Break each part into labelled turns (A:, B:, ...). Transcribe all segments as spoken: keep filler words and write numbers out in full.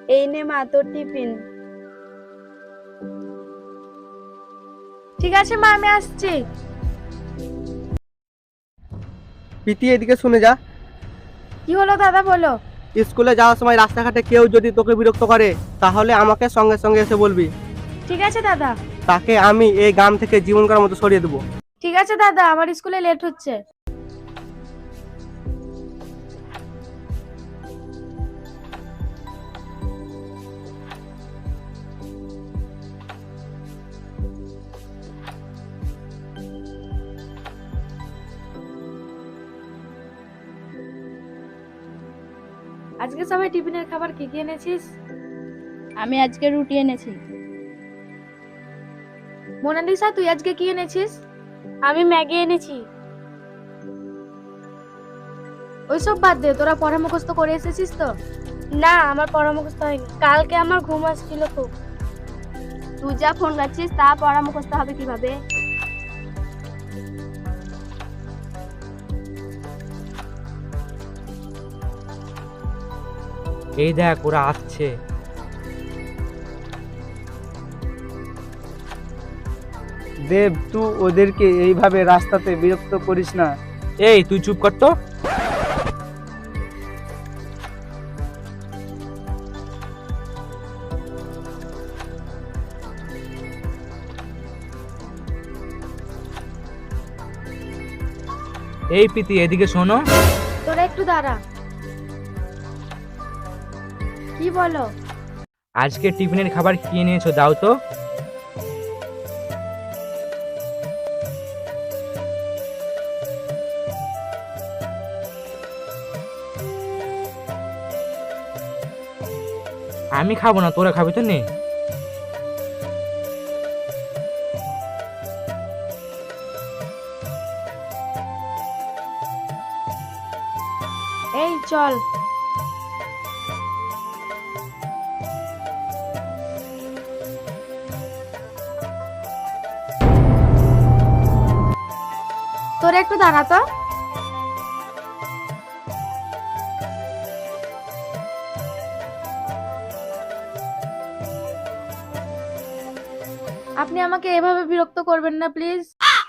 A: এই নে মা তোর টিফিন।
B: ঠিক আছে মা, আমি আসছি।
C: প্রীতি, এদিকে শুনে যা।
B: কি হলো দাদা, বলো।
C: স্কুলে যাওয়ার সময় রাস্তাঘাটে কেউ যদি তোকে বিরক্ত করে তাহলে আমাকে সঙ্গে সঙ্গে এসে বলবি।
B: ঠিক আছে দাদা।
C: তাকে আমি এই গ্রাম থেকে জীবনকার মতো সরিয়ে দেবো।
B: ঠিক আছে দাদা, আমার স্কুলে লেট হচ্ছে। আজকে সবাই টিফিনের খাবার কি কি এনেছিস?
A: আমি আজকে রুটি এনেছি।
B: মোনালিসা, তুই আজকে কি এনেছিস?
A: আমি ম্যাগি এনেছি।
B: ওইসব বাদ দে, তোরা পড়া মুখস্থ করে এসেছিস তো?
A: না, আমার পড়া মুখস্থ হয়নি। কালকে আমার ঘুম আসছিল খুব। তুই যা ফোন রাখছিস তা পড়া মুখস্থ হবে কিভাবে?
D: এই দেখ ওরা আসছে।
E: দেব, তুই ওদেরকে এইভাবে রাস্তাতে বিরক্ত করিস না।
D: এই তুই চুপ কর তো। এই প্রীতি, এদিকে শোনো।
B: তোরা একটু দাঁড়া। কি বলো?
D: আজকে টিফিনের খাবার কি এনেছো দাও তো। আমি খাবো না, তোরা খাবি তো নে।
B: এই চল। তোরা একটু দাঁড়া তো। আপনি আমাকে এভাবে বিরক্ত করবেন না প্লিজ।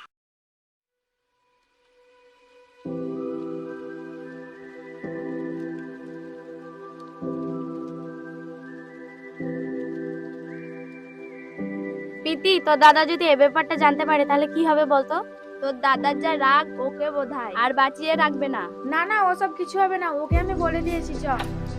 A: প্রীতি, তোর দাদা যদি এ ব্যাপারটা জানতে পারে তাহলে কি হবে বলতো? তোর দাদার যা রাগ ওকে বোধহয় আর বাঁচিয়ে রাখবে না।
B: না না, ওসব কিছু হবে না, ওকে আমি বলে দিয়েছি। চ।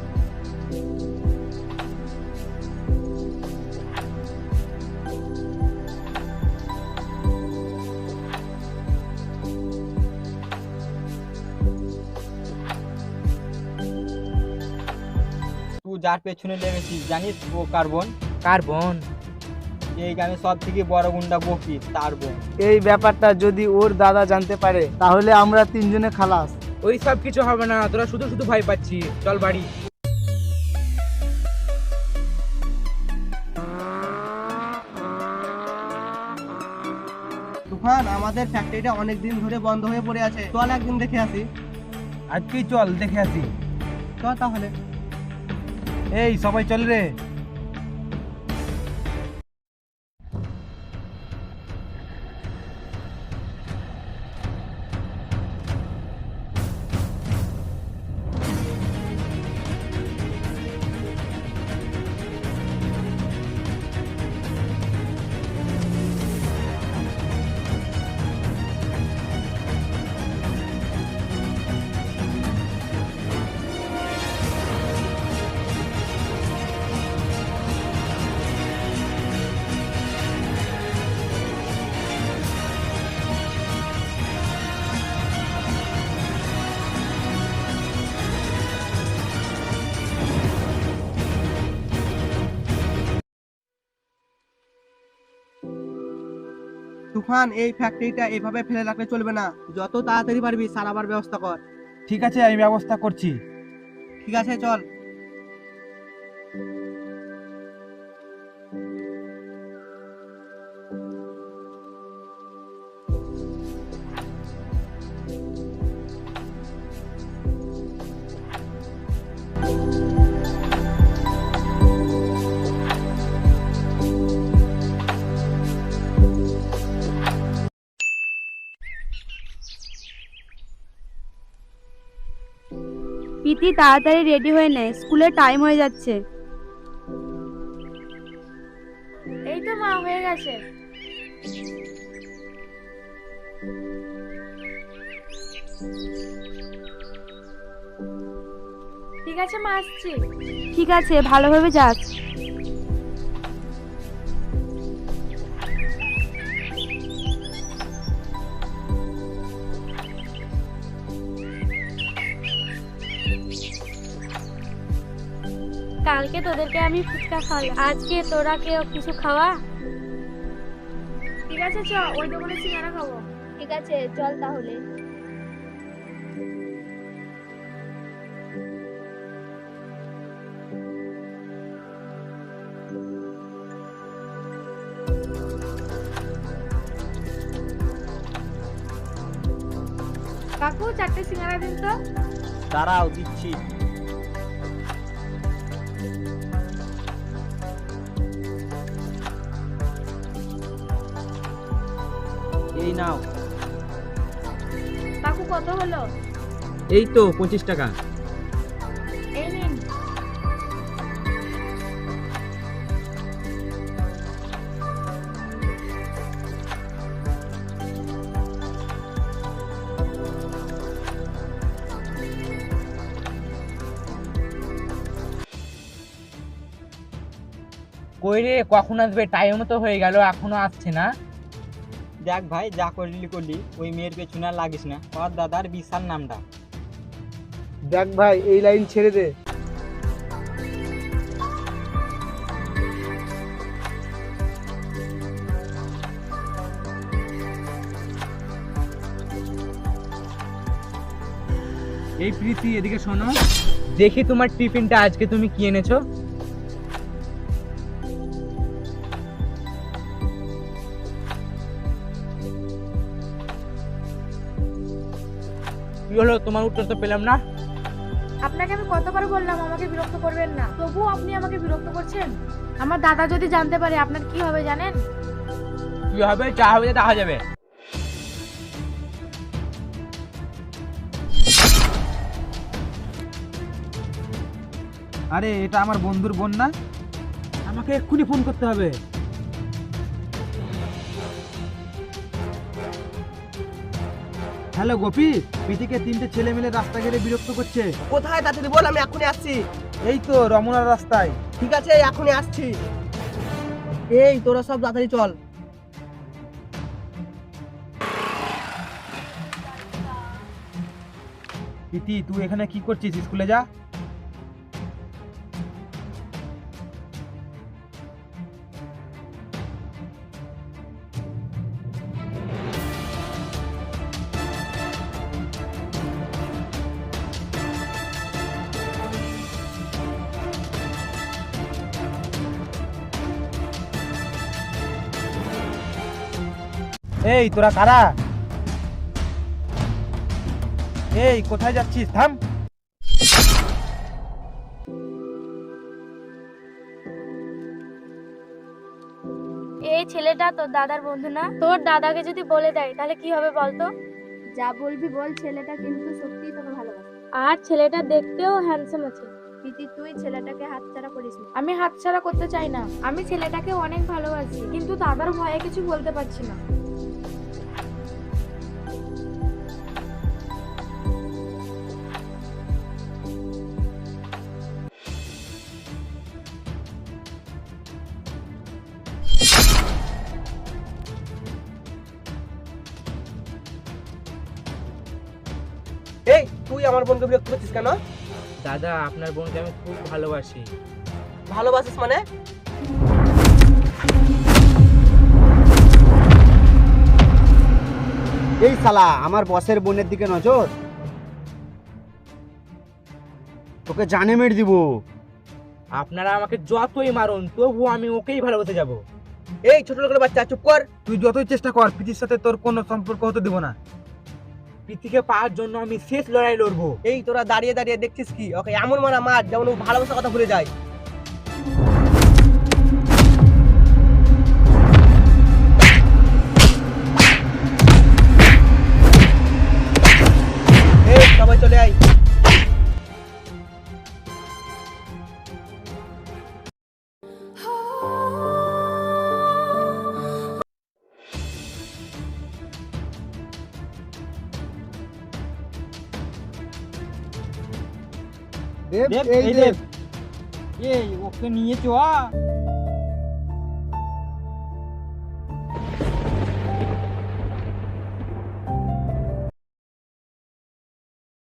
C: তুই যার পেছনে লেগেছিস জানিস ও কার বোন?
D: কার বোন?
C: এই গ্রামে সব থেকে বড় গুন্ডা বকি, তার বোন।
E: এই ব্যাপারটা যদি ওর দাদা জানতে পারে তাহলে আমরা তিনজনে খালাস।
D: ওই সব কিছু হবে না, তোরা শুধু শুধু ভয় পাচ্ছি। চল বাড়ি।
C: তুফান, আমাদের ফ্যাক্টরিটা অনেক দিন ধরে বন্ধ হয়ে পড়ে আছে, চল একদিন দেখে আসি।
E: আজকেই চল, দেখে আসি।
C: চল তাহলে।
E: এই সবাই চল রে।
C: তুফান, এই ফ্যাক্টরিটা এভাবে ফেলে রাখলে চলবে না, যত তাড়াতাড়ি পারবি সারাবার ব্যবস্থা কর।
E: ঠিক আছে, আমি ব্যবস্থা করছি।
C: ঠিক আছে, চল।
A: প্রীতি তাড়াতাড়ি রেডি হয়ে নে, স্কুলের টাইম হয়ে যাচ্ছে।
B: এই তো মা, হয়ে গেছে। ঠিক আছে মা, আসছি।
A: ঠিক আছে, ভালোভাবে যাস। কালকে তোদেরকে আমি ফুচকা খাওয়ালাম, আজকে তোরা কেউ কিছু খাওয়া।
B: ঠিক আছে চ, ওই দোকানে সিঙ্গারা খাবো।
A: ঠিক আছে, চল তাহলে।
B: কাকু, চারটে সিঙ্গারা দিন তো।
C: দাঁড়াও, দিচ্ছি। এই নাও।
B: কাকু, কত হলো?
D: এই তো পঁচিশ টাকা।
B: এই নিন।
D: কই রে, কখন আসবে? টাইম তো হয়ে গেল, এখনো আসছে না।
F: দেখ ভাই, যা করলি করলি, ওই মেয়ের পেছনে আর লাগিস না। ওর দাদার বিশাল নামটা।
E: দেখ ভাই, এই লাইন ছেড়ে দে।
D: এই প্রীতি, এদিকে শোনো, দেখি তোমার টিফিনটা আজকে তুমি কি এনেছো। কি হলো, তোমার উত্তর তো পেলাম না।
B: আপনাকে আমি কতবার বললাম আমাকে বিরক্ত করবেন না, তবুও আপনি আমাকে বিরক্ত করছেন। আমার দাদা যদি জানতে পারে আপনার কি হবে জানেন?
D: কি হবে? যা হবে দেখা যাবে। আরে, এটা আমার বন্ধুর বোন না? আমাকে এক্ষুনি ফোন করতে হবে। হ্যালো গোপী, প্রীতিকে তিনটে ছেলে মিলে রাস্তা ঘেরে বিরক্ত করছে।
C: কোথায় তাড়াতাড়ি বল, আমি এখনই আসছি।
D: এই তো রমনার রাস্তায়।
C: ঠিক আছে, এখনই আসছি। এই তোরা সব তাড়াতাড়ি চল।
D: প্রীতি, তুই এখানে কি করছিস? স্কুলে যা। এই তোরা কারা? এই কোথায় যাচ্ছিস? থাম।
A: এই ছেলেটা তোর দাদার বন্ধু না? তোর দাদাকে যদি বলে দেয় তাহলে কি হবে বলতো? যা বলবি বল, ছেলেটা কিন্তু সত্যিই তোকে ভালোবাসে, আর ছেলেটা দেখতেও হ্যান্ডসাম আছে। প্রীতি, তুই ছেলেটাকে হাতছাড়া করিস না।
B: আমি হাতছাড়া করতে চাই না, আমি ছেলেটাকে অনেক ভালোবাসি, কিন্তু দাদার ভয়ে কিছু বলতে পারছি না।
C: এই তুই আমার বোনকে বিরক্ত করছিস কেন?
D: দাদা, আপনার বোনকে আমি খুব ভালোবাসি।
C: ভালোবাসিস মানে?
E: এই শালা, আমার বসের বোনের দিকে নজর, তোকে জানে মেরে দিব।
D: আপনারা আমাকে যতই মারুন, তবু আমি ওকেই ভালোবাসে যাব।
C: এই ছোট লোকের বাচ্চা, চুপ কর।
D: তুই যতই চেষ্টা কর, প্রীতির সাথে তোর কোনো সম্পর্ক হতে দেব না। প্রীতিকে পাওয়ার জন্য আমি শেষ লড়াই লড়বো।
C: এই তোরা দাঁড়িয়ে দাঁড়িয়ে দেখছিস কি? ওকে এমন মারা মার যেমন ও ভালোবাসার কথা ভুলে যায়। এই সবাই চলে আয়।
E: দেব
F: দেব
E: এই
F: এই
E: দেব
F: দেব এই ওকে নিয়ে চ